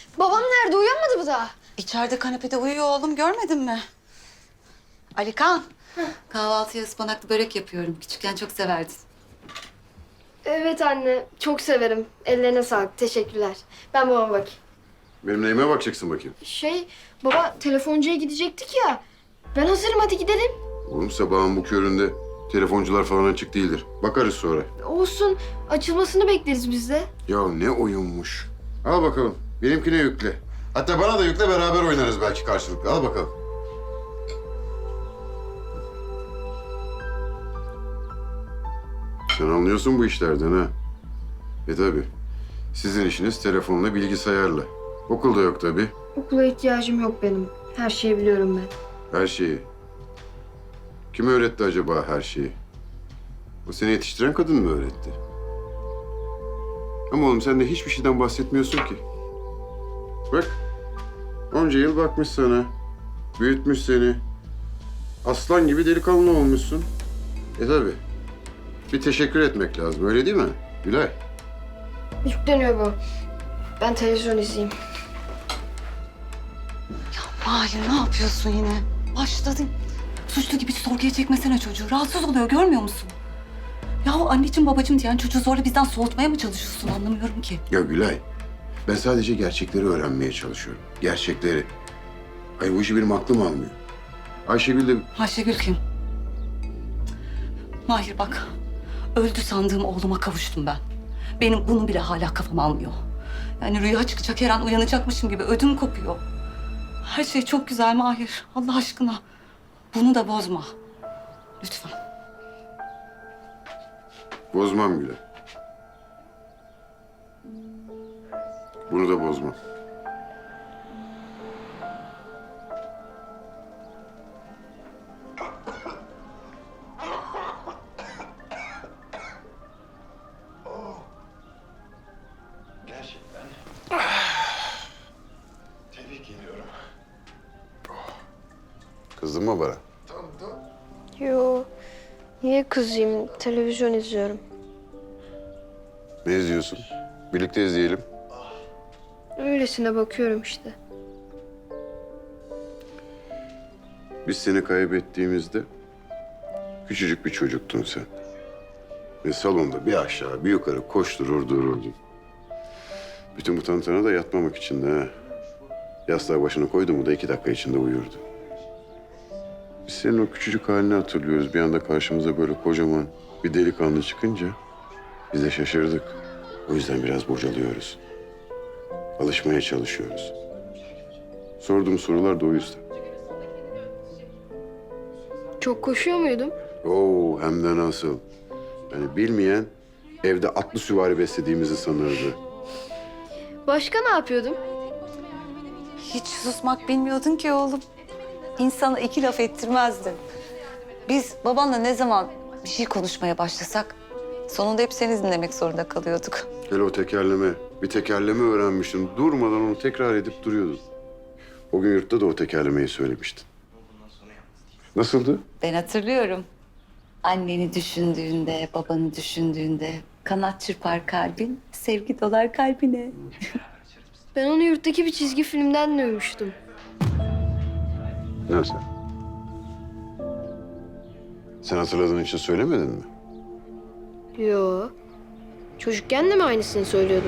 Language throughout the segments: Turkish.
Babam nerede? Uyanmadı mı daha? İçeride kanepede uyuyor oğlum, görmedin mi? Alikan, kahvaltıya ıspanaklı börek yapıyorum. Küçükken çok severdin. Evet anne. Çok severim. Ellerine sağlık. Teşekkürler. Ben babama bakayım. Benim neyime bakacaksın bakayım? Baba telefoncuya gidecektik ya. Ben hazırım, hadi gidelim. Oğlum sabahın bu köründe telefoncular falan açık değildir. Bakarız sonra. Olsun. Açılmasını bekleriz biz de. Ya ne oyunmuş. Al bakalım. Benimkine yükle. Hatta bana da yükle, beraber oynarız belki karşılıklı. Al bakalım. Sen anlıyorsun bu işlerden ha. Tabii. Sizin işiniz telefonla, bilgisayarla. Okulda yok tabii. Okula ihtiyacım yok benim. Her şeyi biliyorum ben. Her şeyi. Kim öğretti acaba her şeyi? O seni yetiştiren kadın mı öğretti? Ama oğlum sen de hiçbir şeyden bahsetmiyorsun ki. Bak, onca yıl bakmış sana. Büyütmüş seni. Aslan gibi delikanlı olmuşsun. Tabii. Bir teşekkür etmek lazım, öyle değil mi Gülay? Yükleniyor bu. Ben televizyon izleyeyim. Mahir, ne yapıyorsun yine? Başladın. Suçlu gibi sorguya çekmesene çocuğu. Rahatsız oluyor, görmüyor musun? Ya anneciğim babacığım diyen çocuğu zorla bizden soğutmaya mı çalışıyorsun? Anlamıyorum ki. Ya Gülay, ben sadece gerçekleri öğrenmeye çalışıyorum. Gerçekleri. Hayır, bu işi benim aklım almıyor. Ayşegül de... Ayşegül kim? Mahir bak, öldü sandığım oğluma kavuştum ben. Benim bunu bile hala kafam almıyor. Yani rüya çıkacak, her an uyanacakmışım gibi ödüm kopuyor. Her şey çok güzel Mahir, Allah aşkına. Bunu da bozma. Lütfen. Bozmam Gülay. Bunu da bozmam. Gerçekten tebrik ediyorum. Kızdın mı bana? Yo. Niye kızayım? Televizyon izliyorum. Ne izliyorsun? Birlikte izleyelim. Öylesine bakıyorum işte. Biz seni kaybettiğimizde küçücük bir çocuktun sen. Ve salonda bir aşağı bir yukarı koşturur dururdun. Bütün bu tantana da yatmamak için de ha. Yastığa başını koydu mu da 2 dakika içinde uyurdu. Biz senin o küçücük halini hatırlıyoruz. Bir anda karşımıza böyle kocaman bir delikanlı çıkınca biz de şaşırdık. O yüzden biraz bocalıyoruz. Alışmaya çalışıyoruz. Sorduğum sorular da o yüzden. Çok koşuyor muydum? Oo, hem de nasıl. Yani bilmeyen evde atlı süvari beslediğimizi sanırdı. Başka ne yapıyordum? Hiç susmak bilmiyordun ki oğlum. İnsana 2 laf ettirmezdin. Biz babanla ne zaman bir şey konuşmaya başlasak sonunda hep seni dinlemek zorunda kalıyorduk. Hele o tekerleme, bir tekerleme öğrenmiştin. Durmadan onu tekrar edip duruyordun. O gün yurtta da o tekerlemeyi söylemiştin. Nasıldı? Ben hatırlıyorum. Anneni düşündüğünde, babanı düşündüğünde kanat çırpar kalbin, sevgi dolar kalbine. Ben onu yurttaki bir çizgi filmden duymuştum. Nasıl? Sen hatırladığın için söylemedin mi? Yo. Çocukken de mi aynısını söylüyordum?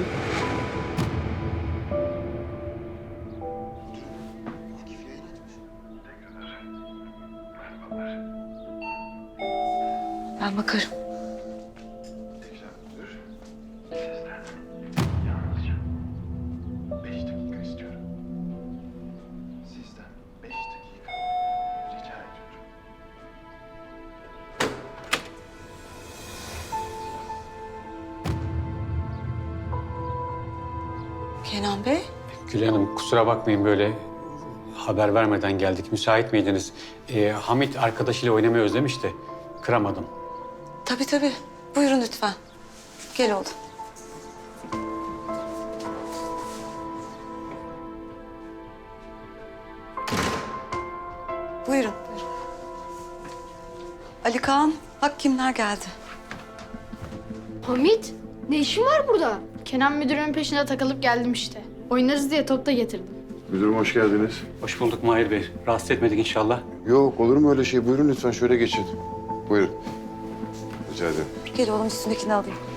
Ben bakarım. Tekrar dur. Sizden yalnızca 5 dakika istiyorum. Sizden 5 dakika rica ediyorum. Kenan Bey. Gülay Hanım kusura bakmayın böyle haber vermeden geldik. Müsait miydiniz? Hamit arkadaşıyla oynamayı özlemiş de kıramadım. Tabii tabii. Buyurun lütfen. Gel oğlum. Buyurun. Buyurun. Ali Kaan, bak kimler geldi. Hamit, ne işin var burada? Kenan müdürün peşine takılıp geldim işte. Oynarız diye top da getirdim. Müdürüm hoş geldiniz. Hoş bulduk Mahir Bey. Rahatsız etmedik inşallah. Yok olur mu öyle şey? Buyurun lütfen şöyle geçin. Buyurun. Rica ederim. Gel oğlum üstündekini alayım.